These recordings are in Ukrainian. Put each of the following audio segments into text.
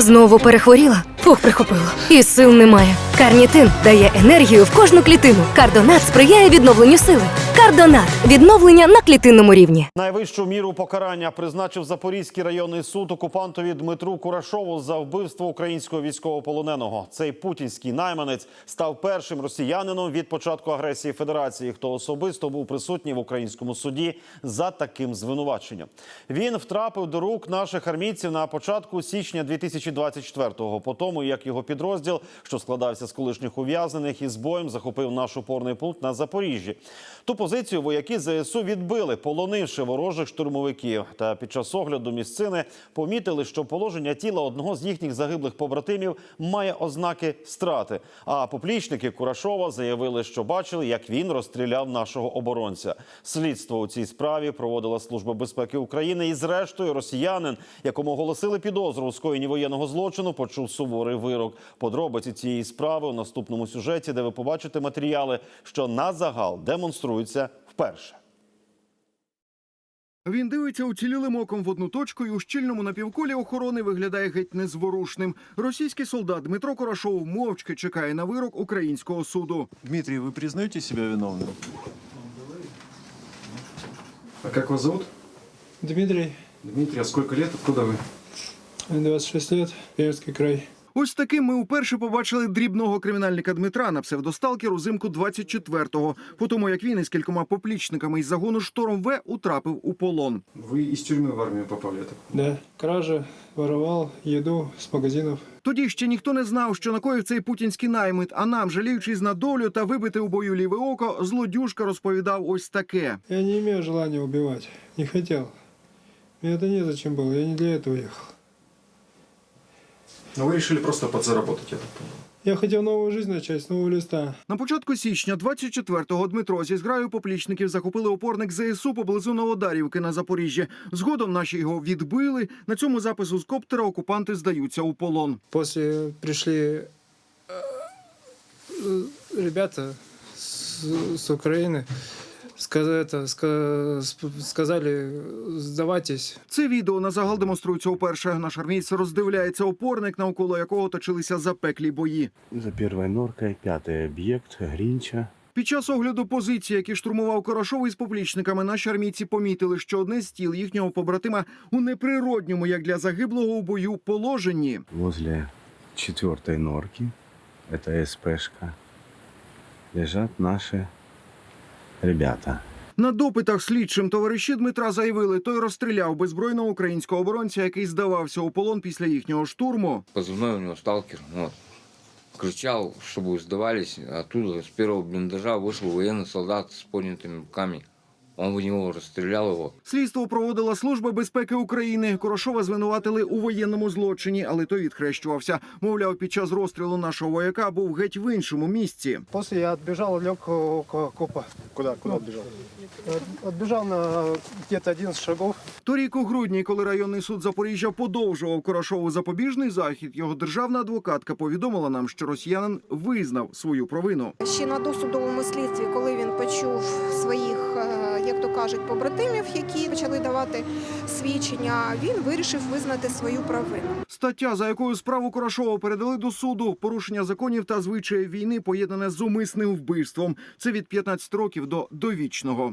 Знову перехворіла? Фух, прихопило. І сил немає. Карнітин дає енергію в кожну клітину. Кардонат сприяє відновленню сили. Кардонат – відновлення на клітинному рівні. Найвищу міру покарання призначив Запорізький районний суд окупантові Дмитру Курашову за вбивство українського військовополоненого. Цей путінський найманець став першим росіянином від початку агресії Федерації, хто особисто був присутній в українському суді за таким звинуваченням. Він втрапив до рук наших армійців на початку січня 2024-го, по тому, як його підрозділ, що складався з колишніх ув'язнених, із боєм захопив наш опорний пункт на Запоріжжі. Ту позицію вояки ЗСУ відбили, полонивши ворожих штурмовиків. Та під час огляду місцини помітили, що положення тіла одного з їхніх загиблих побратимів має ознаки страти. А поплічники Курашова заявили, що бачили, як він розстріляв нашого оборонця. Слідство у цій справі проводила Служба безпеки України. І зрештою росіянин, якому оголосили підозру у скоєнні воєнного злочину, почув суворий вирок. Подробиці цієї справи у наступному сюжеті, де ви побачите матеріали, що на загал демонструються вперше. Він дивиться уцілілим оком в одну точку і у щільному напівколі охорони виглядає геть незворушним. Російський солдат Дмитро Курашов мовчки чекає на вирок українського суду. Дмитрий, вы признаете себя виновным? А как вас зовут? Дмитрий, Дмитрий, а сколько лет? Откуда вы? 26 лет, Пермский край. Ось таким ми вперше побачили дрібного кримінальника Дмитра на псевдосталкер узимку 24-го, по тому як він із кількома поплічниками із загону «Шторм-В» утрапив у полон. Вы из тюрьмы в армию попали, я так понимаю? Да, кража, воровал еду с магазинов. Тоді ще ніхто не знав, що накоїв цей путінський наймит, а нам, жаліючись на долю та вибити у бою ліве око, злодюжка розповідав ось таке. Я не имею желания убивать, не хотел. Мне это незачем было, я не для этого ехал. Но вы решили просто подзаработать, я так понимаю. Я хотел новую жизнь начать с нового листа. На початку січня 24-го Дмитро зі зграю поплічників захопили опорник ЗСУ поблизу Новодарівки на Запоріжжі. Згодом наші його відбили. На цьому запису з коптера окупанти здаються у полон. После пришли ребята с Украины, сказали, сдавайтесь. Це відео на загал демонструється уперше. Наш армійць роздивляється опорник, навколо якого точилися запеклі бої. За первой норкой, пятый объект, Гринча. Під час огляду позицій, які штурмував Курашов із поплічниками, наші армійці помітили, що одне з тіл їхнього побратима у неприродньому, як для загиблого у бою, положенні. Возле четвертой норки, это СПшка, лежат наши ребята. На допитах слідчим товариші Дмитра заявили, той розстріляв беззбройного українського оборонця, який здавався у полон після їхнього штурму. Позывной у него «Сталкер». Вот. Кричал, чтобы сдавались. Оттуда с первого блиндажа вышел военный солдат с поднятыми руками. Он в него розстріляв його. Слідство проводила Служба безпеки України. Курашова звинуватили у воєнному злочині, але той відхрещувався. Мовляв, під час розстрілу нашого вояка був геть в іншому місці. После я отбежал, лег около копа. Куда отбежал? Отбежал на где-то 11 шагов. Торік у грудні, коли районний суд Запоріжжя подовжував Курашову запобіжний захід, його державна адвокатка повідомила нам, що росіянин визнав свою провину. Ще на досудовому слідстві, коли він почув своїх, як то кажуть, побратимів, які почали давати свідчення, він вирішив визнати свою провину. Стаття, за якою справу Курашова передали до суду, порушення законів та звичаїв війни, поєднане з умисним вбивством. Це від 15 років до довічного.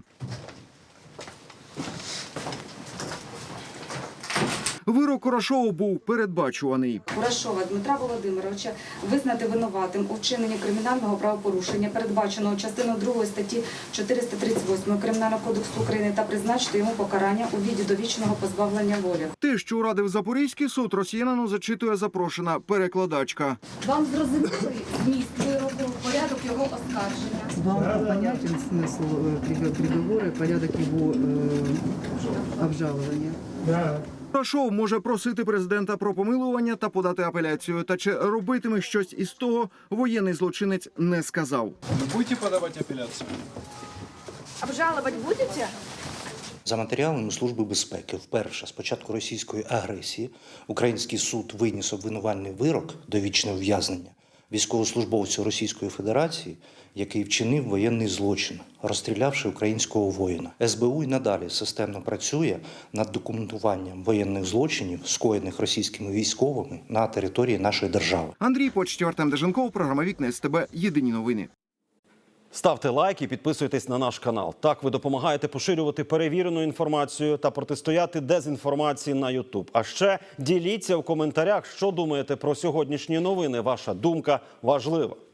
Вирок Курашову був передбачуваний. Курашова Дмитра Володимировича визнати винуватим у вчиненні кримінального правопорушення, передбаченого частиною 2 статті 438 Кримінального кодексу України, та призначити йому покарання у виді довічного позбавлення волі. Те, що урадив Запорізький суд, росіянину зачитує запрошена перекладачка. Вам зрозумілий зміст вироку, порядок його оскарження? Вам понятен смысл приговора, порядок его обжалования? Да. Курашов може просити президента про помилування та подати апеляцію. Та чи робитиме щось із того, воєнний злочинець не сказав. Вы будете подавать апелляцию? Обжалувати будете? За матеріалами Служби безпеки, вперше з початку російської агресії український суд виніс обвинувальний вирок довічне ув'язнення військовослужбовцю Російської Федерації, який вчинив воєнний злочин, розстрілявши українського воїна. СБУ й надалі системно працює над документуванням воєнних злочинів, скоєних російськими військовими на території нашої держави. Андрій Почтєв, Артем Деженков, програма «Вікна СТБ». Єдині новини. Ставте лайк і підписуйтесь на наш канал. Так ви допомагаєте поширювати перевірену інформацію та протистояти дезінформації на YouTube. А ще діліться в коментарях, що думаєте про сьогоднішні новини. Ваша думка важлива.